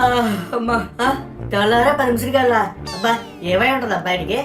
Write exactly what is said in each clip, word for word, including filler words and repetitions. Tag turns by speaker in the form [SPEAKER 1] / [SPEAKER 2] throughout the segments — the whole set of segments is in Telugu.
[SPEAKER 1] అమ్మా తెల్లారా పర్మిషన్ కల్లా అబ్బా ఏమై ఉంటుంది అబ్బాయికి.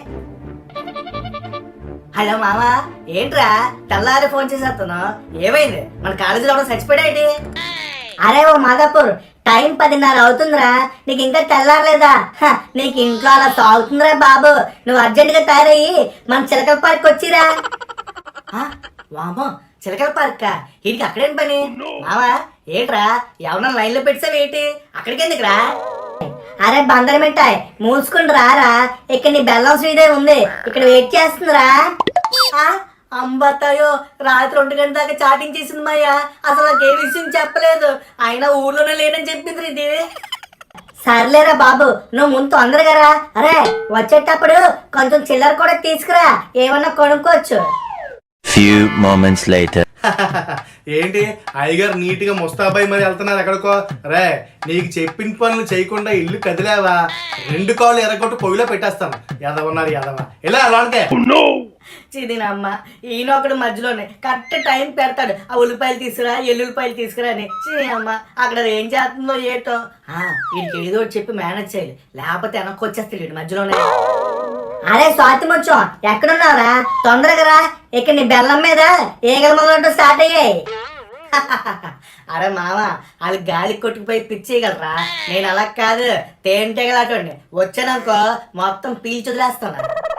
[SPEAKER 1] హలో మామా, ఏంట్రా తెల్లారి ఫోన్ చేసేస్తున్నావు? ఏమైంది? మన కాలేజీలో కూడా చచ్చిపోయాడేంటి?
[SPEAKER 2] అరే ఓ మాదాపూర్, టైం పదిన్నర అవుతుందిరా, నీకు ఇంకా తెల్లారలేదా? నీకు ఇంట్లో అలా సాగుతుందిరా బాబు. నువ్వు అర్జెంట్ గా తయారయ్యి మన చిలకల పార్క్ వచ్చిరా.
[SPEAKER 1] వామో, చిలకల పార్క్ వీడికి అక్కడేం పని? మామా ఏంట్రా ఎవరన్నా లైన్ లో పెట్టావు ఏంటి? అక్కడికి ఎందుకురా?
[SPEAKER 2] అరే బందర మిఠాయి మూసుకుని రారా, ఇక్కడ నీ బెల్లం శ్రీదేవి ఉంది, ఇక్కడ వెయిట్ చేస్తుందిరా.
[SPEAKER 1] అంబతాయో రాత్రి ఒంటి గంట దాకా చాటింగ్ చేసింది మాయా, అసలు నాకు ఏ విషయం చెప్పలేదు. అయినా ఊర్లోనే లేనని చెప్పింది ఇది.
[SPEAKER 2] సర్లేరా బాబు, నువ్వు ముందు తొందరగా రా. అరే వచ్చేటప్పుడు కొంచెం చిల్లర కూడా తీసుకురా, ఏమన్నా కొనుక్కోవచ్చు.
[SPEAKER 3] Few moments later.
[SPEAKER 4] ఏంటి అయ్యగారు నీట్ గా ముస్తాబాయి మరి వెళ్తున్నారు ఎక్కడికో? రే, నీకు చెప్పిన పనులు చేయకుండా ఇల్లు కదిలేవా రెండు కాళ్ళు ఎరగొట్టు పొయ్యిలో పెట్టేస్తాను. ఎదవన్నారు ఎదవా, ఇలా అలాంటికే
[SPEAKER 1] చిదినమ్మ ఈయన ఒకడు మధ్యలోనే కరెక్ట్ టైం పెడతాడు. ఆ ఉల్లిపాయలు తీసుకురా, ఎల్లుల్లిపాయలు తీసుకురా అని. అమ్మ అక్కడ ఏం చేస్తుందో ఏటో. వీడికి ఏదో చెప్పి మేనేజ్ చేయాలి, లేకపోతే వెనక్కి వచ్చేస్తాడు మధ్యలోనే.
[SPEAKER 2] అరే స్వాతి ముచ్చం, ఎక్కడున్నావురా? తొందరగా రా, ఇక్కడ నీ బెల్లం మీద ఏగల మొదలు స్టార్ట్ అయ్యాయి.
[SPEAKER 1] అరే మామ, వాళ్ళు గాలి కొట్టుకుపోయి పిచ్చేయగలరా? నేను అలా కాదు, తేనెటగలాటండి. వచ్చాననుకో మొత్తం పీల్చి వదిలేస్తాను.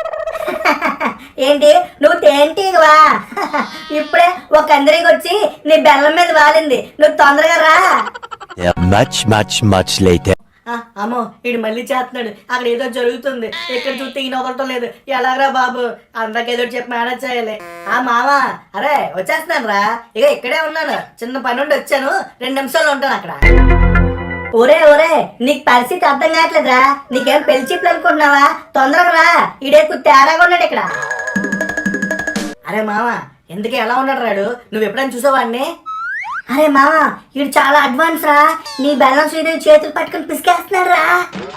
[SPEAKER 2] ఏంటి నువ్వు తేంటివా? ఇప్పుడే ఒక అందరికి వచ్చి నీ బెల్లం మీద వాలింది, నువ్వు తొందరగా రా.
[SPEAKER 3] Much, much, much later.
[SPEAKER 1] అమ్మో వీడు మళ్ళీ చేస్తున్నాడు, అక్కడ ఏదో జరుగుతుంది, ఇక్కడ చూస్తే ఈయన వదలటం లేదు. ఎలాగరా బాబు, అందరికి ఏదో చెప్పి మేనేజ్ చేయాలి. ఆ మామ, అరే వచ్చేస్తున్నాను రా, ఇక ఇక్కడే ఉన్నాను, చిన్న పని నుండి వచ్చాను, రెండు నిమిషాలు ఉంటాను అక్కడ.
[SPEAKER 2] ఒరే ఒరే, నీకు పరిస్థితి అర్థం కావట్లేదురా, నీకేం పెళ్లి చిప్పులు అనుకుంటున్నావా? తొందరగా రా, ఈడేకు తేడాగా ఉన్నాడు ఇక్కడ.
[SPEAKER 1] అరే మామ, ఎందుకు ఎలా ఉన్నాడు రాడు? నువ్వు ఎప్పుడైనా చూసావాడిని?
[SPEAKER 2] అరే మామ, వీడు చాలా అడ్వాన్స్ రా, నీ బెల్లం శ్రీదేవి చేతులు పట్టుకుని పిసికేస్తున్నాడు రా.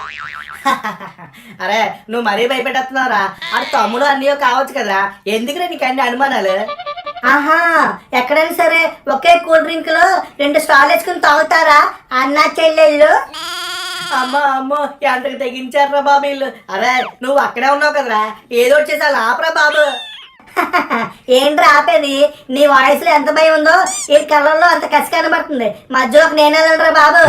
[SPEAKER 1] అరే నువ్వు మరీ భయపెట్టేస్తున్నావురా, అది తమ్ముడు అన్నయ్యో కావచ్చు కదా, ఎందుకురా నీకు అన్ని అనుమానాలు?
[SPEAKER 2] ఆహా, ఎక్కడైనా సరే ఒకే కూల్ డ్రింక్ లో రెండు స్టాల్ వేసుకుని తాగుతారా అన్నా చెల్లెళ్ళు?
[SPEAKER 1] అమ్మా అమ్మో, ఎంతకు తెగించారా బాబు వీళ్ళు. అరే నువ్వు అక్కడే ఉన్నావు కదరా, ఏదో వచ్చేసి ఆపరా బాబు.
[SPEAKER 2] ఏంట్రా ఆపేది? నీ వాయిస్ లో ఎంత భయం ఉందో ఈ కళ్ళల్లో అంత కసి కనబడుతుంది, మధ్యలోకి నేనే వెళ్ళరా బాబు.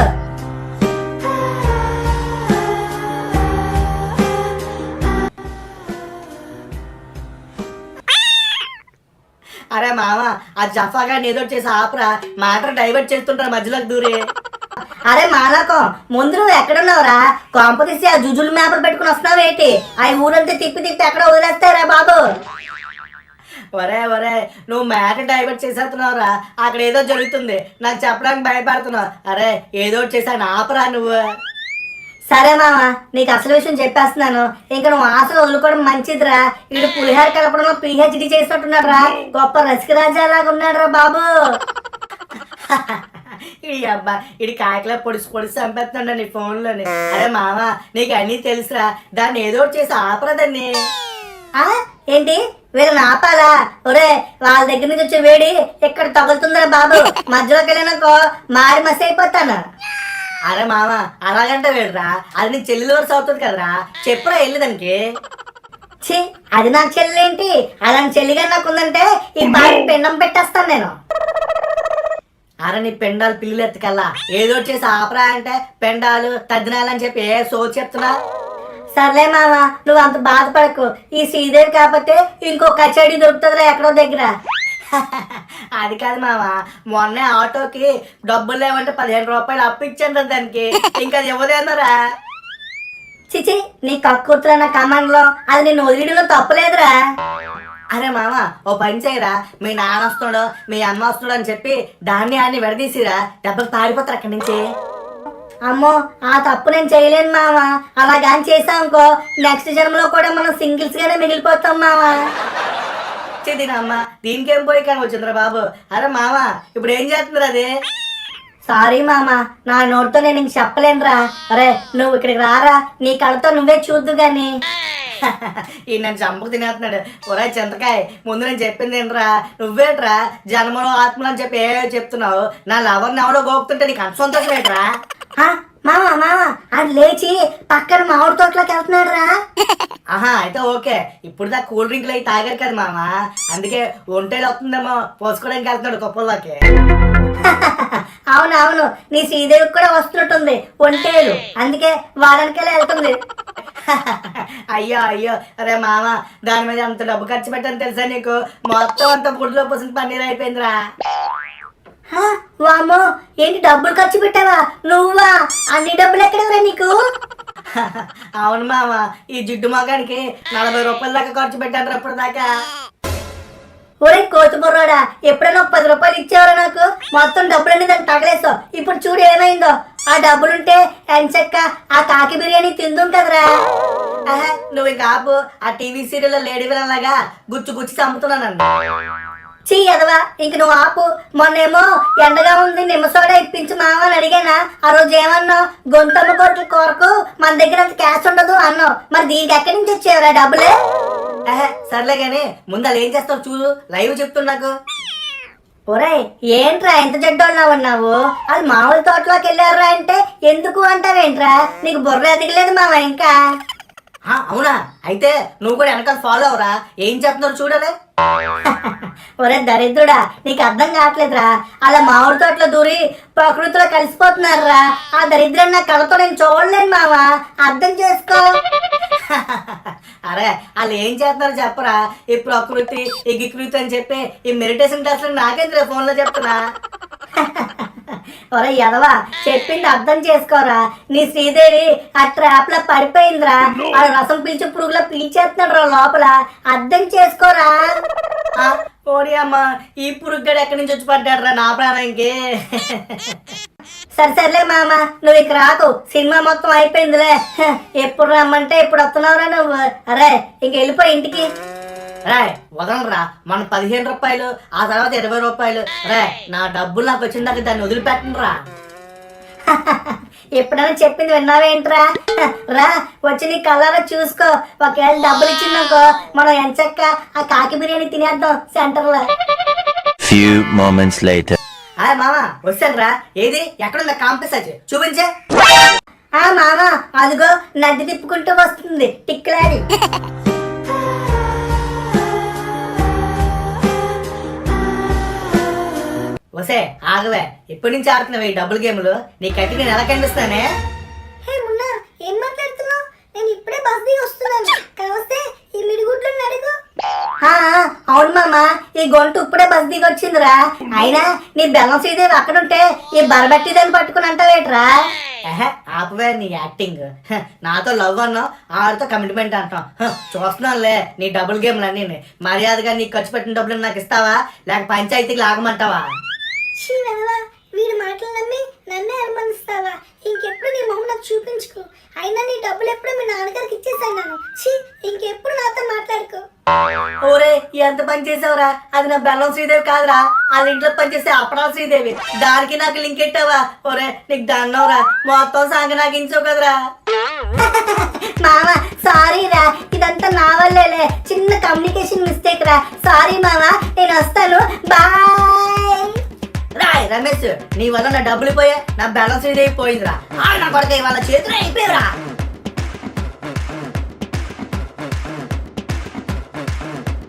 [SPEAKER 1] అరే మామ, ఆ జఫాగా ఏదో చేసి ఆపరా, మ్యాటర్ డైవర్ట్ చేస్తుంటారు మధ్యలోకి దూరే.
[SPEAKER 2] అరే మానకం, ముందు నువ్వు ఎక్కడున్నావురా? కాంపిటీసి ఆ జుజులు మ్యాప్లు పెట్టుకుని వస్తున్నావు ఏంటి? ఆ ఊరంతా తిప్పి తిప్పి ఎక్కడ వదిలేస్తారా బాబు.
[SPEAKER 1] ఒరే ఒరే, నువ్వు మ్యాటర్ డైవర్ట్ చేసేస్తున్నావురా, అక్కడ ఏదో జరుగుతుంది, నాకు చెప్పడానికి భయపడుతున్నావు. అరే ఏదో చేశాను ఆపరా నువ్వు.
[SPEAKER 2] సరే మామ, నీకు అసలు విషయం చెప్పేస్తున్నాను, ఇంకా నువ్వు ఆశలు వదులుకోవడం మంచిదిరా. వీడు పులిహార కలపడంలో పిహెచ్డి చేసినట్టున్నాడు రా, గొప్ప రసికరాజాలాగా ఉన్నాడు రా బాబు.
[SPEAKER 1] ఇడి అబ్బా, ఇడి కాయకలా పొడిసి పొడిసి చంపేస్తున్నాడు నీ ఫోన్లోని. అరే మామ, నీకు అన్నీ తెలుసురా, దాన్ని ఏదో చేసి ఆపరా దాన్ని.
[SPEAKER 2] ఏంటి వీళ్ళని ఆపాలా? ఒరే, వాళ్ళ దగ్గర నుంచి వచ్చే వేడి ఇక్కడ తగులుతుందిరా బాబు, మధ్యలోకి వెళ్ళినాకో మారి మసి అయిపోతాను.
[SPEAKER 1] అరే మామ, అలాగంటే వేడురా, అది నీ చెల్లెలు వరుస అవుతుంది కదరా, చెప్పురా వెళ్ళి దానికి.
[SPEAKER 2] ఛీ, అది నాకు చెల్లి ఏంటి? అలాంటి చెల్లిగా నాకు ఉందంటే ఈ పాటి పిండం పెట్టేస్తాను నేను.
[SPEAKER 1] అరే నీ పెండాలు పిల్లలు ఎత్తుకల్లా ఏదో చేసి ఆపరా అంటే పెండాలు తద్దినాలు అని చెప్పి ఏ సో చెప్తున్నా.
[SPEAKER 2] సర్లే మామ, నువ్వు అంత బాధపడకు, ఈ శ్రీదేవి కాకపోతే ఇంకో కచేడీ దొరుకుతుందిరా ఎక్కడో దగ్గర.
[SPEAKER 1] అది కాదు మామ, మొన్నే ఆటోకి డబ్బులు లేవంటే పదిహేను రూపాయలు అప్పు ఇచ్చాను దానికి, ఇంకా అది ఇవ్వదేన్నారా?
[SPEAKER 2] చిచి, నీ కక్కుతున్న కమాండ్ లో అది నేను వదిలిలో తప్పలేదురా.
[SPEAKER 1] అరే మామ, ఓ పని చేయరా, మీ నాన్న వస్తున్నాడు మీ అమ్మ వస్తున్నాడు అని చెప్పి ధాన్యాన్ని విడదీసిరా, దెబ్బలు పారిపోతారు అక్కడి నుంచి.
[SPEAKER 2] అమ్మో, ఆ తప్పు నేను చేయలేను మామ, అలా కానీ చేసామనుకో నెక్స్ట్ జన్మలో కూడా మనం సింగిల్స్ గానే మిగిలిపోతాం మామ.
[SPEAKER 1] తినమ్మ, దీనికేం పోయి కానీ వచ్చిందిరా బాబు. అరే మామ, ఇప్పుడు ఏం చేస్తుందిరా అది?
[SPEAKER 2] సారీ మామ, నా నోటితో నేను ఇంక చెప్పలేనురా. అరే నువ్వు ఇక్కడికి రారా, నీ కళ్ళతో నువ్వే చూద్దు గాని.
[SPEAKER 1] ఈ నన్ను చంపకు తినేస్తున్నాడు. ఒరే చింతకాయ, ముందు నేను చెప్పింది ఏంట్రా, నువ్వేట్రా జన్మలో ఆత్మలు అని చెప్పి ఏ చెప్తున్నావు? నా లవర్ని ఎవడో గోపుతుంటే నీకు అంత సంతోషం ఏంట్రా?
[SPEAKER 2] మామ మామ అది లేచి పక్కన మామిడి తోటలోకి వెళ్తున్నాడు రా.
[SPEAKER 1] ఆహా అయితే ఓకే. ఇప్పుడు దా కూల్ డ్రింక్లు అవి తాగారు కదా మామ, అందుకే ఒంటేలు వస్తుందేమో పోసుకోవడానికి వెళ్తున్నాడు కుప్పల్లోకి.
[SPEAKER 2] అవునవును, నీ శ్రీదేవికి కూడా వస్తున్నట్టుంది ఒంటేలు, అందుకే వారానికెళ్ళి వెళ్తుంది.
[SPEAKER 1] అయ్యో అయ్యో అరే మామ, దాని మీద అంత డబ్బు ఖర్చు పెట్టని తెలుసా నీకు? మొత్తం అంత గుడ్లో పోసిన పన్నీర్ అయిపోయిందిరా.
[SPEAKER 2] హా, వామ్మో, ఏంటి డబ్బులు ఖర్చు పెట్టావా నువ్వా? అన్ని డబ్బులు ఎక్కడవరా నీకు?
[SPEAKER 1] అవును మామ, ఈ జిడ్డు మగానికి నలభై రూపాయల దాకా ఖర్చు పెట్టాను అప్పుడు దాకా.
[SPEAKER 2] ఒరే కోతి బుర్రోడా, ఎప్పుడైనా ఒక పది రూపాయలు ఇచ్చేవారా నాకు? మొత్తం డబ్బులన్నీ దాన్ని తగలేసావు. ఇప్పుడు చూడు ఏమైందో. ఆ డబ్బులుంటే ఎంచక్క ఆ కాకి బిర్యానీ తిందుంటదిరా.
[SPEAKER 1] ఆహా, నువ్వు ఇంకా ఆపు. ఆ టీవీ సీరియల్ లేడీ విలన్ లాగా గుచ్చి గుచ్చి చంపుతున్నానండి.
[SPEAKER 2] చీ ఎదవా, ఇంక నువ్వు ఆపు. మొన్నేమో ఎండగా ఉంది నిమ్మ సోడా ఇప్పించు మామ అని అడిగానా? ఆ రోజు ఏమన్నావు? గొంతమ్మ కోట్ల కొరకు మన దగ్గర అంత క్యాష్ ఉండదు అన్నావు. మరి దీనికి ఎక్కడి నుంచి వచ్చేవరా డబ్బులే?
[SPEAKER 1] ఆహా, సర్లే గానీ ముందు అలా ఏం చేస్తావు చూడు, లైవ్ చెప్తున్నాకు.
[SPEAKER 2] ఒరేయ్, ఏంట్రా ఎంత జడ్డోళ్ళ ఉన్నావు? అది మామూలు తోటలోకి వెళ్ళారా అంటే ఎందుకు అంటావేంట్రా? నీకు బుర్ర ఎదగలేదు మామ ఇంకా.
[SPEAKER 1] ఆ, అవునా? అయితే నువ్వు కూడా వెనకాల ఫాలో అవరా, ఏం చేస్తున్నారు చూడలే.
[SPEAKER 2] ఒరే దరిద్రుడా, నీకు అర్థం కావట్లేదురా. అలా మామిడి తోటలో దూరి ప్రకృతిలో కలిసిపోతున్నారా. ఆ దరిద్రం నా కళ్ళతో నేను చూడలేను మామ, అర్థం చేసుకో.
[SPEAKER 1] అరే వాళ్ళు ఏం చేస్తున్నారు చెప్పరా? ఈ ప్రకృతి ఈ గికృతి అని చెప్పి ఈ మెడిటేషన్ క్లాసులు నాకేంద్ర ఫోన్ లో చెప్తున్నా.
[SPEAKER 2] ఒరే ఎదవా, చెప్పింది అర్థం చేసుకోరా. నీ శ్రీదేవి ఆ ట్రాప్ లో పడిపోయిందిరా. ఆ రసం పీల్చి పురుగులో పీల్చేస్తున్నాడు రా లోపల, అర్థం చేసుకోరా.
[SPEAKER 1] ఆ, ఓడి అమ్మ, ఈ పురుగ్గడు ఎక్కడి నుంచి వచ్చి పడ్డాడు రా నా ప్రాణానికి.
[SPEAKER 2] సరే సర్లే మామ, నువ్వు ఇక రాకు, సినిమా మొత్తం అయిపోయిందిలే. హ, ఎప్పుడు రమ్మంటే ఇప్పుడు వస్తున్నావురా నువ్వు. అరే ఇంక వెళ్ళిపో ఇంటికి.
[SPEAKER 1] రే వదలరా, మన పదిహేను రూపాయలు ఆ తర్వాత ఇరవై రూపాయలు. రే నా డబ్బులు నాకు వచ్చిందాక దాన్ని వదిలిపెట్టను రా.
[SPEAKER 2] ఎప్పుడైనా చెప్పింది విన్నావేంట్రా? హ, రా వచ్చి నీ కలరా చూసుకో. ఒకవేళ డబ్బులు ఇచ్చిందనుకో మనం ఎంచక్క ఆ కాకి బిర్యానీ తినేద్దాం సెంటర్ లో.
[SPEAKER 3] Few moments later.
[SPEAKER 1] హాయ్ మామ, వచ్చాను రా. ఏది ఎక్కడుందా కాంపిస్ చూపించే.
[SPEAKER 2] ఆ మామ అదిగో నది తిప్పుకుంటూ వస్తుంది టిక్లాడి.
[SPEAKER 1] వసే ఆగవే, ఎప్పటి నుంచి ఆడుతున్నావు ఈ డబుల్ గేమ్లు? నీకైతే నేను ఎలా కనిపిస్తానే?
[SPEAKER 2] హే మున్నా, ఏం మాట్లాడుతున్నావు? నేను ఇప్పుడే బస్ దిగి వస్తున్నాను. కావస్తే ఈ మిడిగుడ్లు అడుగు. అవును మామ, ఈ గొంతు ఇప్పుడే బస్ దిగి వచ్చిందిరా. అయినా నీ బెల్లం శ్రీదేవి అక్కడుంటే ఈ బరబట్టి దాన్ని పట్టుకుని అంటావేట్రా?
[SPEAKER 1] ఆపవే నీ యాక్టింగ్. హ, నాతో లవ్ అన్నావు, ఆడితో కమిట్మెంట్ అంటాం. హ, చూస్తున్నానులే నీ డబుల్ గేమ్లు అన్నీ. మర్యాదగా నీకు ఖర్చు పెట్టిన డబ్బులు నాకు ఇస్తావా, లేక పంచాయతీకి లాగమంటావా?
[SPEAKER 2] వీడి మాటలు నమ్మి నన్నే అనుమానిస్తావా? ఇంకెప్పుడు నీ మొహం నాకు చూపించుకో. అయినా నీ డబ్బులు ఎప్పుడు మీ నాన్నగారికి ఇచ్చేసాను. ఛీ, ఇంకెప్పుడు నాతో మాట్లాడుకో.
[SPEAKER 1] ఓరే ఎంత పని చేసావురా? అది నా బెల్లం శ్రీదేవి కాదురా, వాళ్ళ ఇంట్లో పనిచేసే అప్పడాల శ్రీదేవి. దానికి నాకు లింక్ ఎట్టావా? ఓరే నీకు దండవరా, మొత్తం సాంగ నాకు ఇంచో కదరా.
[SPEAKER 2] మామ సారీ రా, ఇదంతా నా వల్లేలే, చిన్న కమ్యూనికేషన్ మిస్టేక్ రా. సారీ మామ, నేను వస్తాను, బాయ్.
[SPEAKER 1] రాయ్ రమేష్, నీ వల్ల నా డబ్బులు పోయా, నా బెల్లం శ్రీదేవి పోయిందిరా. ఆ నా కొడుకు వాళ్ళ చేతులు అయిపోయారా.